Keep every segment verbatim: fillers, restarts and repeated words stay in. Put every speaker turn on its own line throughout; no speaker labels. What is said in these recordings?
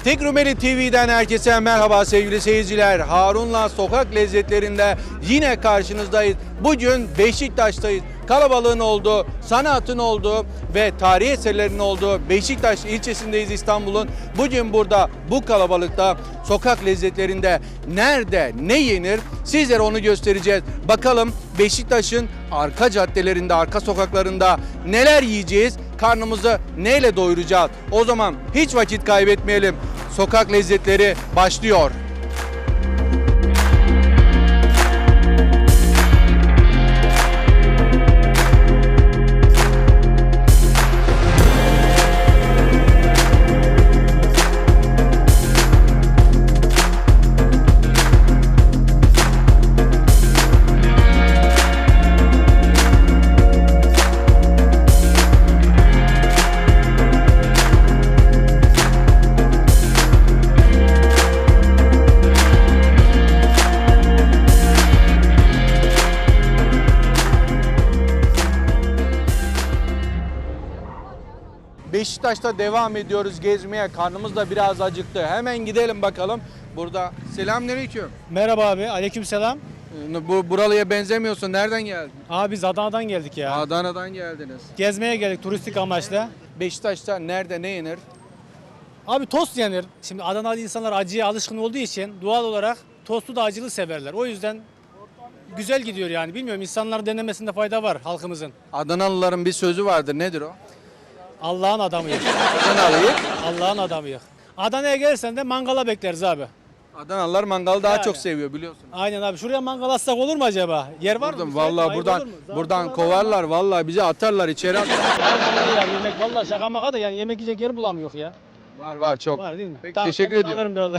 Tek Rumeli T V'den herkese merhaba sevgili seyirciler. Harun'la sokak lezzetlerinde yine karşınızdayız. Bugün Beşiktaş'tayız. Kalabalığın olduğu, sanatın olduğu ve tarihi eserlerin olduğu Beşiktaş ilçesindeyiz İstanbul'un. Bugün burada bu kalabalıkta sokak lezzetlerinde nerede ne yenir sizlere onu göstereceğiz. Bakalım Beşiktaş'ın arka caddelerinde, arka sokaklarında neler yiyeceğiz? Karnımızı neyle doyuracağız? O zaman hiç vakit kaybetmeyelim. Sokak lezzetleri başlıyor. Beşiktaş'ta devam ediyoruz gezmeye. Karnımız da biraz acıktı. Hemen gidelim bakalım. Burada selamünaleyküm.
Merhaba abi, aleykümselam.
Bu buralıya benzemiyorsun. Nereden geldin?
Abi biz Adana'dan geldik ya.
Adana'dan geldiniz.
Gezmeye geldik turistik amaçla.
Beşiktaş'ta nerede ne yenir?
Abi tost yenir. Şimdi Adanalı insanlar acıya alışkın olduğu için doğal olarak tostu da acılı severler. O yüzden güzel gidiyor yani. Bilmiyorum, insanların denemesinde fayda var halkımızın.
Adanalıların bir sözü vardır. Nedir o?
Allah'ın adamıyız.
Adanalıyı.
Allah'ın adamıyız. Adana'ya gelirsen de mangala bekleriz abi.
Adanalılar mangalı daha
Yani.
çok seviyor biliyorsun.
Aynen abi. Şuraya mangal atsak olur mu acaba? Yer var mı?
Buradan,
Müsait mi?
vallahi
Ayıp
buradan
olur mu?
buradan
Zaten
kovarlar. Vallahi bizi atarlar içeri. At-
Yani yemek vallahi şaka maka da yani yemek yiyecek yer bulamıyor ya.
var var çok.
Var değil mi?
Peki, teşekkür ediyorum.
Alırım da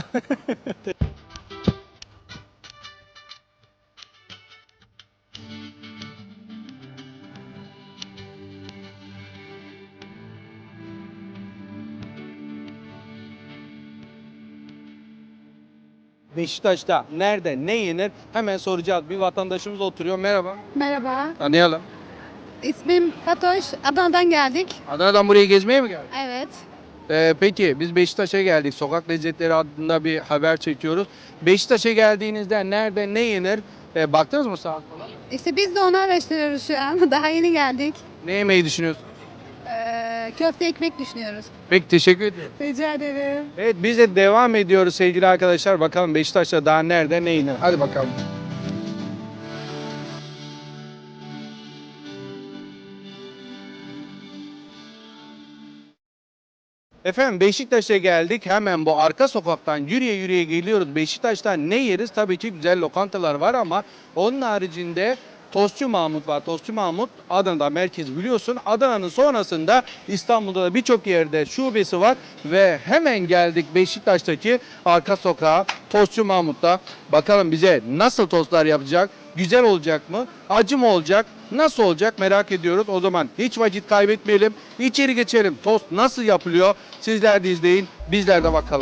Beşiktaş'ta nerede ne yenir hemen soracağız. Bir vatandaşımız oturuyor. Merhaba.
Merhaba,
Tanıyalım.
ismim Fatoş. Adana'dan geldik.
Adana'dan buraya gezmeye mi geldin?
Evet.
Ee, peki biz Beşiktaş'a geldik. Sokak lezzetleri adında bir haber çekiyoruz. Beşiktaş'a geldiğinizde nerede ne yenir? Ee, baktınız mı saat falan?
İşte biz de onu araştırıyoruz şu an. Daha yeni geldik.
Ne yemeyi düşünüyorsun?
Ee, köfte ekmek düşünüyoruz.
Peki teşekkür ederim.
Rica ederim.
Evet biz de devam ediyoruz sevgili arkadaşlar. Bakalım Beşiktaş'ta daha nerede ne yenir? Hadi bakalım. Efendim Beşiktaş'a geldik. Hemen bu arka sokaktan yürüye yürüye geliyoruz. Beşiktaş'ta ne yeriz? Tabii ki güzel lokantalar var ama onun haricinde Tostçu Mahmut var. Tostçu Mahmut Adana'da merkez biliyorsun. Adana'nın sonrasında İstanbul'da da birçok yerde şubesi var ve hemen geldik Beşiktaş'taki arka sokağa Tostçu Mahmut'ta. Bakalım bize nasıl tostlar yapacak? Güzel olacak mı? Acı mı olacak? Nasıl olacak merak ediyoruz. O zaman hiç vakit kaybetmeyelim. İçeri geçelim. Tost nasıl yapılıyor? Sizler de izleyin. Bizler de bakalım.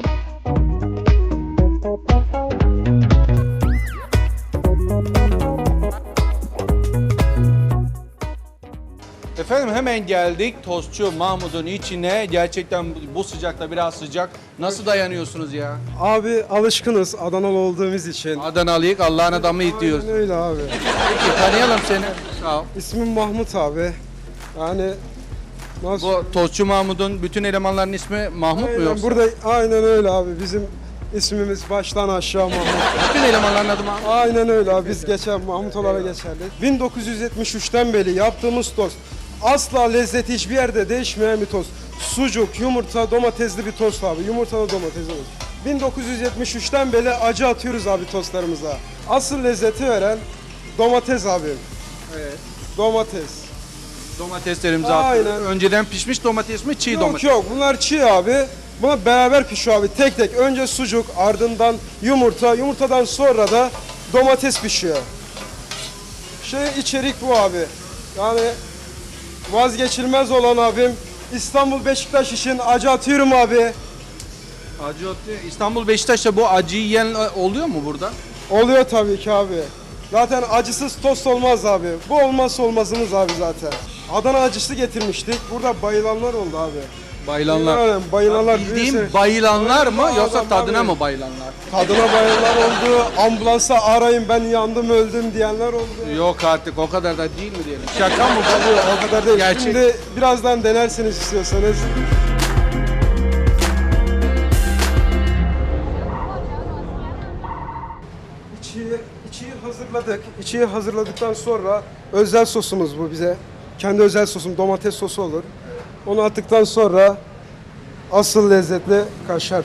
Efendim hemen geldik Tostçu Mahmut'un içine. Gerçekten bu sıcakta biraz sıcak. Nasıl dayanıyorsunuz ya?
Abi alışkınız Adanalı olduğumuz için.
Adanalıyık Allah'ın adamı diyoruz.
Aynen öyle abi.
Peki tanıyalım seni. Sağ ol.
İsmim Mahmut abi. Yani nasıl?
Bu Tostçu Mahmut'un bütün elemanların ismi Mahmut mu
Aynen,
yoksa?
burada aynen öyle abi. Bizim ismimiz baştan aşağı Mahmut.
Bütün elemanların adı Mahmut.
Aynen öyle abi. Biz geçen Mahmut olarak geçerli. bin dokuz yüz yetmiş üçten beri yaptığımız tost. Asla lezzeti hiçbir yerde değişmeyen bir tost. Sucuk, yumurta, domatesli bir tost abi. Yumurtalı domatesli tost. bin dokuz yüz yetmiş üçten beri acı atıyoruz abi tostlarımıza. Asıl lezzeti veren domates abi.
Evet.
Domates.
Domateslerimizi
Aynen.
atıyoruz. Önceden pişmiş domates mi çiğ
Yok
domates?
yok bunlar çiğ abi. Bunlar beraber pişiyor abi tek tek. Önce sucuk, ardından yumurta, yumurtadan sonra da domates pişiyor. Şey içerik bu abi. Yani vazgeçilmez olan abim. İstanbul Beşiktaş için acı atıyorum abi.
Acı atıyor. İstanbul Beşiktaş'ta bu acıyı yiyen oluyor mu burada?
Oluyor tabii ki abi. Zaten acısız tost olmaz abi. Bu olmazsa olmazımız abi zaten. Adana acısı getirmiştik. Burada bayılanlar oldu abi.
Bayılanlar.
Yani bayılanlar
Bildiğim
büyüse-
bayılanlar mı
Bayılan
yoksa
adam
tadına
abi.
mı bayılanlar?
Tadına bayanlar oldu, ambulansa arayın ben yandım öldüm diyenler oldu.
Yok artık o kadar da değil mi diyelim. Şaka mı bu?
Tabii o kadar değil.
Gerçek.
Şimdi birazdan denersiniz istiyorsanız. İçiyi, içiyi hazırladık. İçiyi hazırladıktan sonra özel sosumuz bu bize. Kendi özel sosum domates sosu olur. Onu attıktan sonra asıl lezzetli kaşar.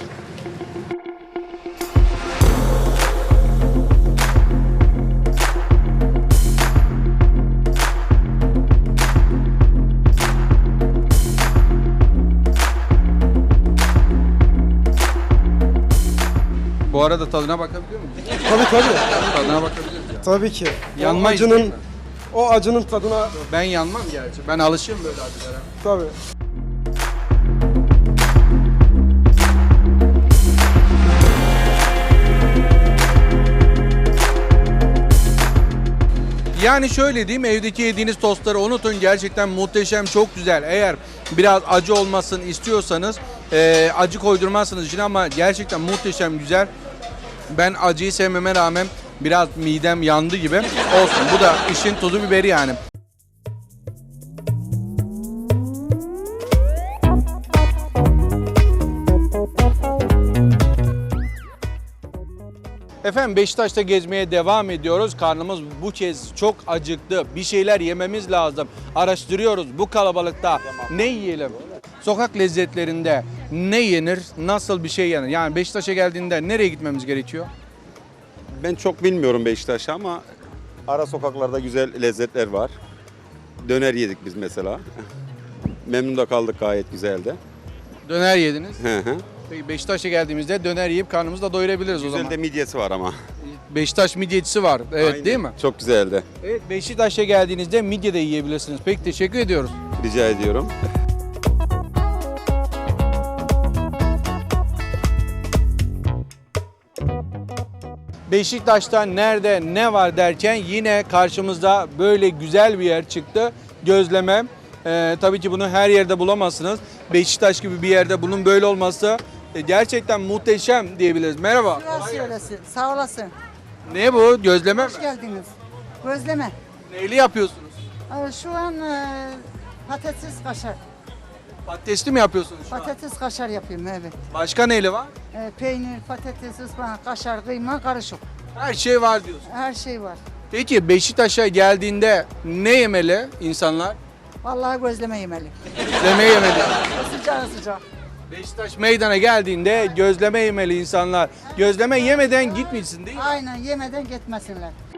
Bu arada tadına bakabiliyor muyuz?
Tabii tabii.
Tadına bakabiliyoruz ya.
Tabii ki. O
Yanmayız değil
acının
mi?
o acının tadına
Ben yanmam gerçi. Ben alışığım böyle acılara.
tabii.
Yani şöyle diyeyim, evdeki yediğiniz tostları unutun, gerçekten muhteşem, çok güzel. Eğer biraz acı olmasını istiyorsanız e, acı koydurmazsınız içine ama gerçekten muhteşem, güzel. Ben acıyı sevmeme rağmen biraz midem yandı gibi olsun. Bu da işin tuzu biberi yani. Efendim Beşiktaş'ta gezmeye devam ediyoruz. Karnımız bu kez çok acıktı. Bir şeyler yememiz lazım. Araştırıyoruz bu kalabalıkta ne yiyelim? Sokak lezzetlerinde ne yenir? Nasıl bir şey yenir? Yani Beşiktaş'a geldiğinde nereye gitmemiz gerekiyor?
Ben çok bilmiyorum Beşiktaş'ı ama ara sokaklarda güzel lezzetler var. Döner yedik biz mesela. Memnun da kaldık, gayet güzeldi.
Döner yediniz.
Hı hı.
Peki Beşiktaş'a geldiğimizde döner yiyip karnımızı da doyurabiliriz o
Güzel
zaman.
de midyesi var ama.
Beşiktaş midyecisi var. Evet
Aynen.
değil mi?
Çok güzeldi.
Evet, Beşiktaş'a geldiğinizde midye de yiyebilirsiniz. Peki teşekkür ediyoruz.
Rica ediyorum.
Beşiktaş'ta nerede ne var derken yine karşımıza böyle güzel bir yer çıktı. Gözleme. Ee, tabii ki bunu her yerde bulamazsınız. Beşiktaş gibi bir yerde bunun böyle olması e, gerçekten muhteşem diyebiliriz. Merhaba.
Burası öylesi. Sağ olasın.
Ne bu? Gözleme mi?
Hoş geldiniz. Gözleme.
Neyli yapıyorsunuz?
Ee, Şu an e, patates kaşar.
Patatesli mi yapıyorsunuz şu an?
Patates kaşar yapıyorum evet.
Başka neyli var?
Ee, Peynir, patates, ıspanak, kaşar, kıyma karışık.
Her şey var diyorsun.
Her şey var.
Peki Beşiktaş'a geldiğinde ne yemeli insanlar?
Vallahi gözleme yemeli.
Gözleme yemeli.
Sıcağı sıcak.
Beşiktaş meydana geldiğinde gözleme yemeli insanlar. Gözleme yemeden gitmesin değil mi?
Aynen yemeden gitmesinler.